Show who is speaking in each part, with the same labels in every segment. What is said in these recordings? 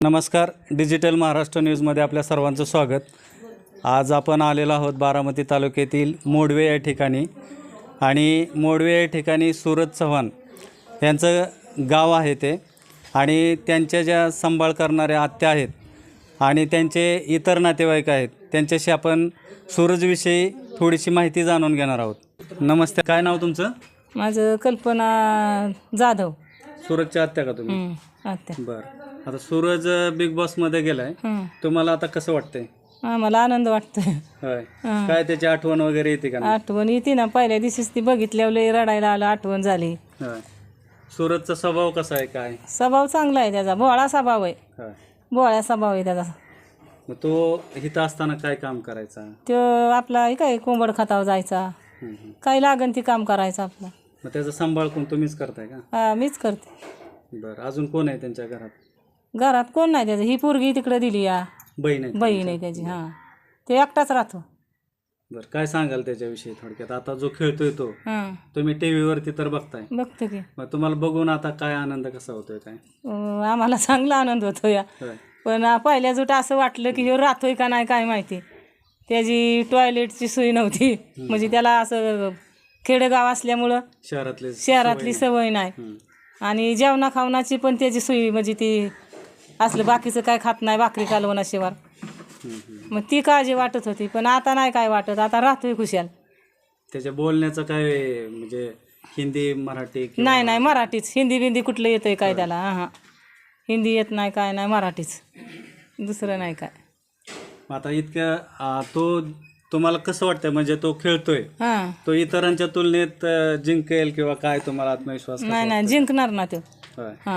Speaker 1: नमस्कार. डिजिटल महाराष्ट्र न्यूजमध्ये आपल्या सर्वांचं स्वागत. आज आपण आलेलो आहोत बारामती तालुक्यातील मोडवे या ठिकाणी आणि मोडवे या ठिकाणी सूरज चव्हाण यांचं गाव आहे ते आणि त्यांच्या ज्या सांभाळ करणाऱ्या आत्या आहेत आणि त्यांचे इतर नातेवाईक आहेत त्यांच्याशी आपण सूरजविषयी थोडीशी माहिती जाणून घेणार आहोत. नमस्ते. काय नाव तुमचं?
Speaker 2: माझं कल्पना जाधव.
Speaker 1: सूरजच्या आत्या का तुम्ही?
Speaker 2: आत्या.
Speaker 1: बरं. आता सूरज बिग बॉसमध्ये गेलाय, तुम्हाला आता कसं वाटतंय?
Speaker 2: मला आनंद वाटतोय.
Speaker 1: होय. काय त्याची आठवण वगैरे येते का?
Speaker 2: आठवण येते ना, पहिल्या दिवशीच ती बघितल्यावर लई रडायला आलं, आठवण झाली.
Speaker 1: होय. सूरजचा स्वभाव कसा आहे? काय
Speaker 2: स्वभाव चांगला आहे त्याचा, भोळा स्वभाव आहे.
Speaker 1: होय.
Speaker 2: भोळा स्वभाव आहे त्याचा.
Speaker 1: मग तो इथं असताना काय काम करायचा?
Speaker 2: तो आपला हे काय कोंबड खतावर जायचा, काही लागन ती काम करायचं आपलं.
Speaker 1: मग त्याचा सांभाळ कोण तुम्हीच करताय का?
Speaker 2: हा, मीच करते.
Speaker 1: बरं. अजून कोण आहे त्यांच्या घरात?
Speaker 2: घरात कोण नाही त्याचं. ही पोरगी तिकडे दिली, या
Speaker 1: बहीण आहे?
Speaker 2: बहीण आहे त्याची. हां, ते एकटाच राहतो.
Speaker 1: बरं. काय सांगाल त्याच्याविषयी थोडक्यात? आता जो खेळतोय तो
Speaker 2: हां,
Speaker 1: तुम्ही टी व्हीवरती तर बघताय,
Speaker 2: बघतो की.
Speaker 1: मग तुम्हाला बघून आता काय आनंद कसा होतोय काय?
Speaker 2: आम्हाला चांगला आनंद होतो या.
Speaker 1: होय.
Speaker 2: पण पहिल्या जुट असं वाटलं की ह्यो राहतोय का नाही काय माहिती. त्याची टॉयलेटची सोय नव्हती, म्हणजे त्याला असं खेडेगाव असल्यामुळं शहरातली सवय नाही. आणि जेवणा खावणाची पण त्याची सोय म्हणजे ती असलं बाकीचं काय खात नाही, भाकरी कालवणाशिवाय. मग ती काळजी वाटत होती, पण आता नाही काय वाटत. आता राहतोय खुशाल.
Speaker 1: त्याच्या बोलण्याचं काय म्हणजे हिंदी मराठी?
Speaker 2: नाही नाही, मराठीच. हिंदी बिंदी कुठलं येतंय काय त्याला? हां, हिंदी येत नाही, काय नाही, मराठीच, दुसरं नाही काय.
Speaker 1: आता इतक्या तो तुम्हाला कसं वाटतंय? म्हणजे तो खेळतोय,
Speaker 2: हां,
Speaker 1: तो इतरांच्या तुलनेत जिंकेल किंवा काय? तुम्हाला आत्मविश्वास?
Speaker 2: नाही नाही, जिंकणार ना तो.
Speaker 1: होय.
Speaker 2: हां,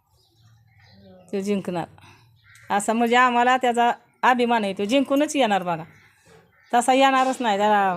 Speaker 2: तो जिंकणार असा म्हणजे आम्हाला त्याचा अभिमान आहे. तो जिंकूनच येणार बघा, तसा येणारच नाही त्याला.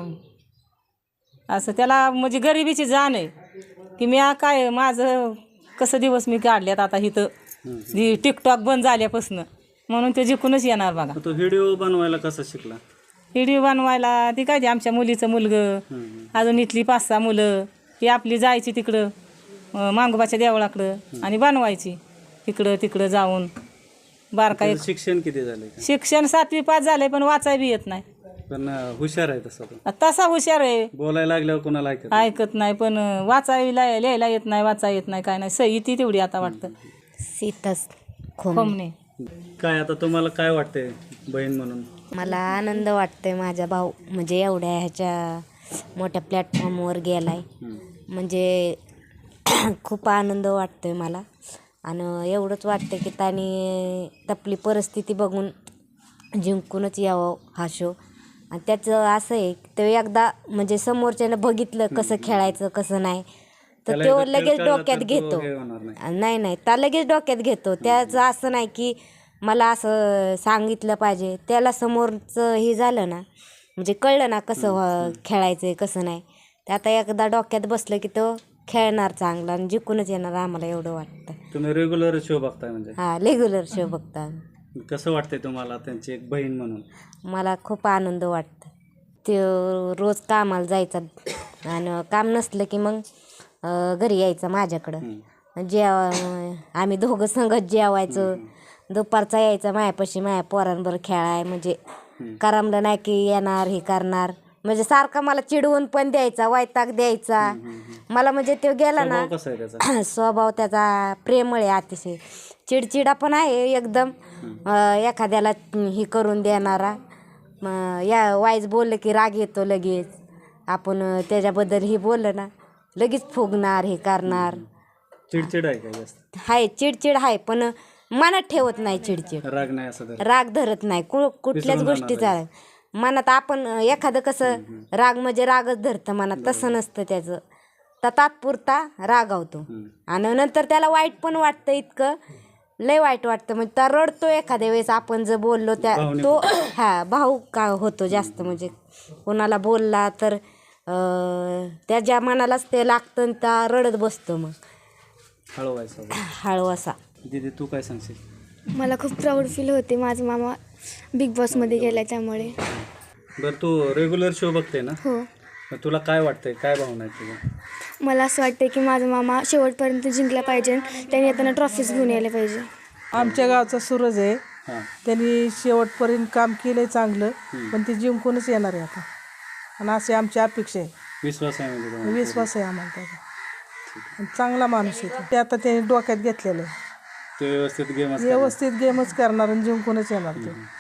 Speaker 2: असं त्याला म्हणजे गरिबीची जाण आहे की मी काय माझं कसं दिवस मी काढल्यात आता इथं टिकटॉक बंद झाल्यापासून, म्हणून तो जिंकूनच येणार बघा.
Speaker 1: तो व्हिडिओ बनवायला कसा शिकला?
Speaker 2: व्हिडिओ बनवायला ती काय, ते आमच्या मुलीचं मुलगं, अजून इथली 5-6 मुलं, ती आपली जायची तिकडं मांगोबाच्या देवळाकडं आणि बनवायची तिकडं जाऊन. बारका एक
Speaker 1: शिक्षण किती झाले?
Speaker 2: शिक्षण 7वी पास झालंय, पण वाचाय बी येत नाही.
Speaker 1: पण हुशार आहे तसा तो.
Speaker 2: तसा हुशार आहे.
Speaker 1: बोलायला लागल्यावर कोणाला
Speaker 2: ऐकत नाही, पण वाचायला लिहायला येत नाही, वाचा येत नाही, काय नाही. सही ती तेवढी आता वाटतं.
Speaker 3: सीताच
Speaker 2: खोमणे.
Speaker 1: काय आता तुम्हाला काय वाटतंय बहीण म्हणून?
Speaker 3: मला आनंद वाटतोय. माझा भाऊ म्हणजे एवढ्या ह्याच्या मोठ्या प्लॅटफॉर्मवर गेलाय, म्हणजे खूप आनंद वाटतोय मला. आणि एवढंच वाटतं की त्याने आपली परिस्थिती बघून जिंकूनच यावं हा शो. आणि त्याचं असं आहे, तो एकदा म्हणजे समोरच्यानं बघितलं कसं खेळायचं कसं नाही, तर तो लगेच डोक्यात घेतो. नाही, त्या लगेच डोक्यात घेतो. त्याचं असं नाही की मला असं सांगितलं पाहिजे. त्याला समोरचं हे झालं ना, म्हणजे कळलं ना कसं खेळायचं कसं नाही, ते आता एकदा डोक्यात बसलं की तो खेळणार चांगला आणि जिंकूनच येणार. आम्हाला एवढं वाटतं.
Speaker 1: तुम्ही रेग्युलर शो बघताय म्हणजे?
Speaker 3: हां, रेग्युलर शो बघता.
Speaker 1: कसं वाटतंय तुम्हाला त्यांची एक बहीण म्हणून?
Speaker 3: मला खूप आनंद वाटतं. ते रोज कामाला जायचा आणि काम नसलं की मग घरी यायचं माझ्याकडं. आम्ही दोघं संगत जेवायचं. दुपारचा यायचा मायापाशी, माया पोरांबरोबर खेळाय. म्हणजे करमलं नाही की येणार हे करणार, म्हणजे सारखा मला चिडवून पण द्यायचा, वैताग द्यायचा मला. म्हणजे तो गेला ना, स्वभाव त्याचा प्रेमळ आहे अतिशय. चिडचिडा पण आहे एकदम, एखाद्याला ही करून देणारा. या वाईज बोललं की राग येतो लगेच. आपण त्याच्याबद्दल ही बोललं ना, लगेच फुगणार हे करणार.
Speaker 1: चिडचिड आहे का जास्त?
Speaker 3: आहे, चिडचिड आहे, पण मनात ठेवत नाही चिडचिड.
Speaker 1: राग नाही असं?
Speaker 3: राग धरत नाही कुठल्याच गोष्टीचा मनात. आपण एखादं कसं राग म्हणजे रागच धरतं मनात, तसं नसतं त्याचं. तर तात्पुरता रागावतो आणि नंतर त्याला वाईट पण वाटतं, इतकं लय वाईट वाटतं. म्हणजे त्या रडतो एखाद्या वेळेस आपण जर बोललो त्या, तो भाऊ का होतो जास्त. म्हणजे कोणाला बोलला तर त्याच्या मनालाच ते लागतं आणि त्या रडत बसतो. मग हळू असा.
Speaker 1: दीदी तू काय सांगशील?
Speaker 4: मला खूप प्राऊड फील होते, माझा मामा बिग बॉसमध्ये गेला त्यामुळे.
Speaker 1: बरं, तू रेग्युलर शो बघते ना?
Speaker 4: हो.
Speaker 1: तुला काय वाटतंय, काय भावना आहे तुझ्या?
Speaker 4: मला असं वाटतं की माझा मामा शेवटपर्यंत जिंकला पाहिजे, त्याने येताना ट्रॉफीज घेऊन यायला पाहिजे.
Speaker 5: आमच्या गावचा सूरज आहे.
Speaker 1: हां
Speaker 5: त्यांनी शेवटपर्यंत काम केलंय चांगलं, पण ते जिंकूनच येणार आहे आता. आणि अशी आमची अपेक्षा आहे.
Speaker 1: विश्वास आहे म्हणजे तुम्हाला?
Speaker 5: विश्वास आहे आम्हाला त्याचा. आणि चांगला माणूस आहे ते आता त्यांनी डोक्यात घेतलेलं आहे.
Speaker 1: ते व्यवस्थित गेम
Speaker 5: व्यवस्थित गेमच करणार आणि जिंकूनच येणार ते.